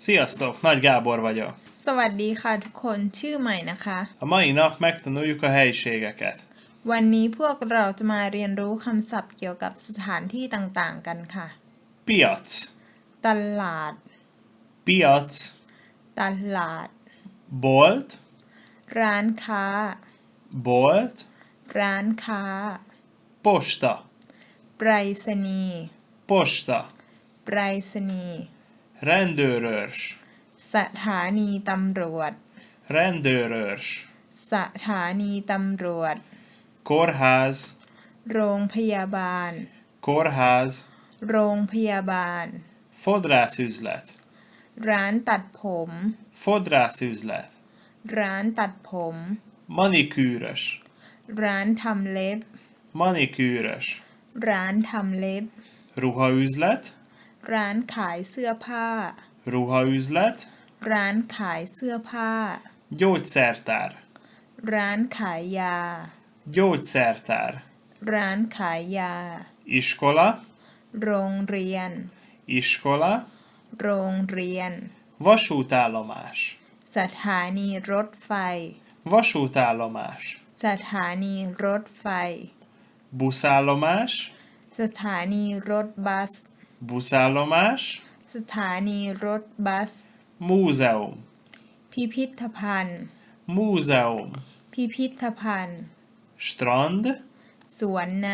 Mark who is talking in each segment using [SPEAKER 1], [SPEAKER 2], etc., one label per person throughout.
[SPEAKER 1] Sziasztok, Nagy Gábor vagyok.
[SPEAKER 2] สวัสดีค่ะทุกคนชื่อใหม่นะคะ
[SPEAKER 1] A mai nap megtanuljuk a helyiségeket.
[SPEAKER 2] วันนี้พวกเราจะมาเรียนรู้คำศัพท์เกี่ยวกับสถานที่ต่างๆกันค่ะ
[SPEAKER 1] Piac,
[SPEAKER 2] ตลาด
[SPEAKER 1] piac,
[SPEAKER 2] ตลาด
[SPEAKER 1] bolt,
[SPEAKER 2] ร้านค้า
[SPEAKER 1] bolt,
[SPEAKER 2] ร้านค้า
[SPEAKER 1] posta,
[SPEAKER 2] ไปรษณีย์
[SPEAKER 1] posta,
[SPEAKER 2] ไปรษณีย์
[SPEAKER 1] rendőrőrs,
[SPEAKER 2] สถานีตำรวจ
[SPEAKER 1] rendőrőrs,
[SPEAKER 2] สถานีตำรวจ
[SPEAKER 1] kórház,
[SPEAKER 2] โรงพยาบาล
[SPEAKER 1] kórház,
[SPEAKER 2] โรงพยาบาล
[SPEAKER 1] fodrászüzlet,
[SPEAKER 2] ร้านตัดผม
[SPEAKER 1] fodrászüzlet,
[SPEAKER 2] ร้านตัดผม
[SPEAKER 1] manikűrös,
[SPEAKER 2] ร้านทำเล็บ
[SPEAKER 1] manikűrös,
[SPEAKER 2] ร้านทำเล็บ
[SPEAKER 1] ruhaüzlet,
[SPEAKER 2] ร้านขายเสื้อผ้า
[SPEAKER 1] ruhaüzlet,
[SPEAKER 2] ร้านขายเสื้อผ้า
[SPEAKER 1] gyógyszertár,
[SPEAKER 2] ร้านขายยา
[SPEAKER 1] gyógyszertár,
[SPEAKER 2] ร้านขายยา
[SPEAKER 1] iskola,
[SPEAKER 2] โรงเรียน
[SPEAKER 1] iskola,
[SPEAKER 2] โรงเรียน
[SPEAKER 1] vasútállomás,
[SPEAKER 2] สถานีรถไฟ
[SPEAKER 1] vasútállomás,
[SPEAKER 2] สถานีรถไฟ
[SPEAKER 1] buszállomás,
[SPEAKER 2] สถานีรถบัส
[SPEAKER 1] buszállomás,
[SPEAKER 2] สถานีรถบัส
[SPEAKER 1] múzeum,
[SPEAKER 2] พิพิธภัณฑ์
[SPEAKER 1] múzeum,
[SPEAKER 2] พิพิธภัณฑ์
[SPEAKER 1] strand,
[SPEAKER 2] สวนน้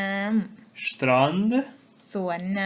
[SPEAKER 1] strand,
[SPEAKER 2] ำ สวนน้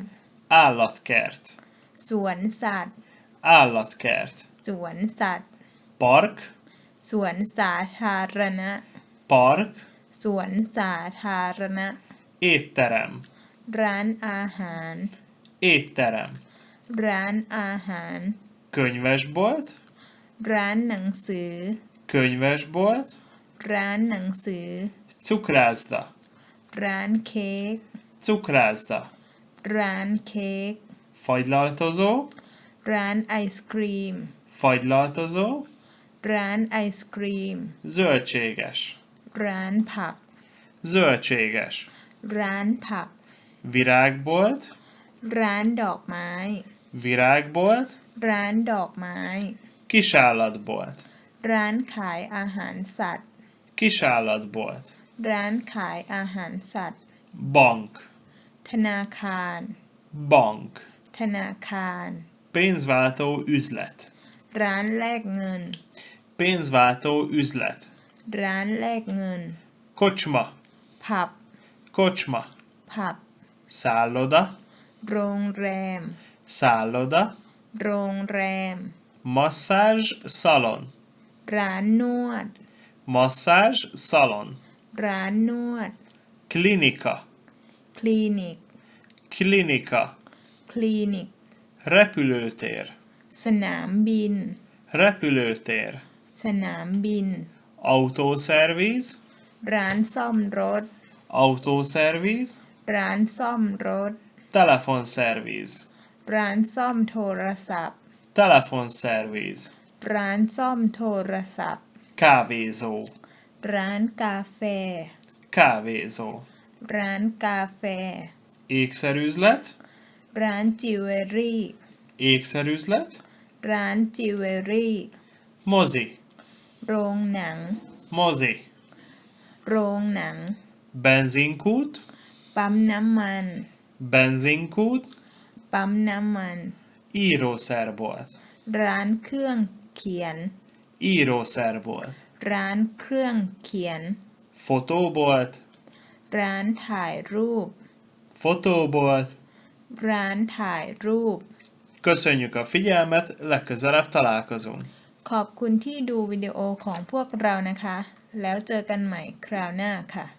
[SPEAKER 1] állatkert,
[SPEAKER 2] ำ สวนสัตว์
[SPEAKER 1] állatkert,
[SPEAKER 2] สวนสัตว์
[SPEAKER 1] park,
[SPEAKER 2] สวนสาธารณะ
[SPEAKER 1] park,
[SPEAKER 2] สวนสาธารณะ
[SPEAKER 1] étterem,
[SPEAKER 2] ร้านอาหาร
[SPEAKER 1] étterem,
[SPEAKER 2] ร้านอาหาร
[SPEAKER 1] könyvesbolt,
[SPEAKER 2] ร้านหนังสือ
[SPEAKER 1] könyvesbolt,
[SPEAKER 2] ร้านหนังสือ
[SPEAKER 1] cukrászda,
[SPEAKER 2] ร้านเค้ก
[SPEAKER 1] cukrászda,
[SPEAKER 2] ร้านเค้ก
[SPEAKER 1] fagylaltozó,
[SPEAKER 2] ร้านไอศกรีม
[SPEAKER 1] fagylaltozó,
[SPEAKER 2] ร้านไอศกรีม
[SPEAKER 1] zöldséges,
[SPEAKER 2] ร้านผัก
[SPEAKER 1] zöldséges,
[SPEAKER 2] ร้านผัก
[SPEAKER 1] virágbolt,
[SPEAKER 2] ร้านดอกไม้
[SPEAKER 1] virágbolt,
[SPEAKER 2] ร้านดอกไม้
[SPEAKER 1] kisállatbolt,
[SPEAKER 2] ร้านขายอาหารสัตว์
[SPEAKER 1] kisállatbolt,
[SPEAKER 2] ร้านขายอาหารสัตว์
[SPEAKER 1] bank,
[SPEAKER 2] ธนาคาร
[SPEAKER 1] bank,
[SPEAKER 2] ธนาคาร
[SPEAKER 1] pénzváltó üzlet,
[SPEAKER 2] ร้านแลกเงิน
[SPEAKER 1] pénzváltó üzlet,
[SPEAKER 2] ร้านแลกเงิน
[SPEAKER 1] kocsma,
[SPEAKER 2] ผับ
[SPEAKER 1] kocsma,
[SPEAKER 2] ผับ
[SPEAKER 1] szálloda,
[SPEAKER 2] โรงแรม
[SPEAKER 1] szálloda,
[SPEAKER 2] โรงแรม
[SPEAKER 1] masszázs szalon,
[SPEAKER 2] ร้านนวด
[SPEAKER 1] masszázs szalon,
[SPEAKER 2] ร้านนวด
[SPEAKER 1] klinika,
[SPEAKER 2] คลินิก
[SPEAKER 1] klinika,
[SPEAKER 2] คลินิก
[SPEAKER 1] repülőtér,
[SPEAKER 2] สนามบิน
[SPEAKER 1] repülőtér,
[SPEAKER 2] สนามบิน
[SPEAKER 1] autószervíz,
[SPEAKER 2] ร้านซ่อมรถ
[SPEAKER 1] autószervíz,
[SPEAKER 2] ร้านซ่อมรถ
[SPEAKER 1] telefonszervíz,
[SPEAKER 2] ร้านซ่อมโทรศัพท์
[SPEAKER 1] telefonszervíz,
[SPEAKER 2] ร้านซ่อมโทรศัพท์
[SPEAKER 1] kávézó,
[SPEAKER 2] ร้านกาแฟ
[SPEAKER 1] kávézó,
[SPEAKER 2] ร้านกาแฟ
[SPEAKER 1] ékszerüzlet,
[SPEAKER 2] ร้านจิวเวลรี่
[SPEAKER 1] ékszerüzlet,
[SPEAKER 2] ร้านจิวเวลรี่
[SPEAKER 1] mozi,
[SPEAKER 2] โรงหนัง
[SPEAKER 1] mozi,
[SPEAKER 2] โรงหนัง
[SPEAKER 1] benzinkút,
[SPEAKER 2] ปั๊มน้ำมัน
[SPEAKER 1] benzinkút,
[SPEAKER 2] ปั๊มน้ำมัน
[SPEAKER 1] írószerbolt,
[SPEAKER 2] ร้านเครื่องเขียน
[SPEAKER 1] írószerbolt,
[SPEAKER 2] ร้านเครื่องเขียน
[SPEAKER 1] fotóbolt,
[SPEAKER 2] ร้านถ่ายรูป
[SPEAKER 1] fotóbolt.
[SPEAKER 2] ร้านถ่ายรูป
[SPEAKER 1] Köszönjük a figyelmet, legközelebb találkozunk.
[SPEAKER 2] ขอบคุณที่ดูวิดีโอของพวกเรานะคะ แล้วเจอกันใหม่คราวหน้าค่ะ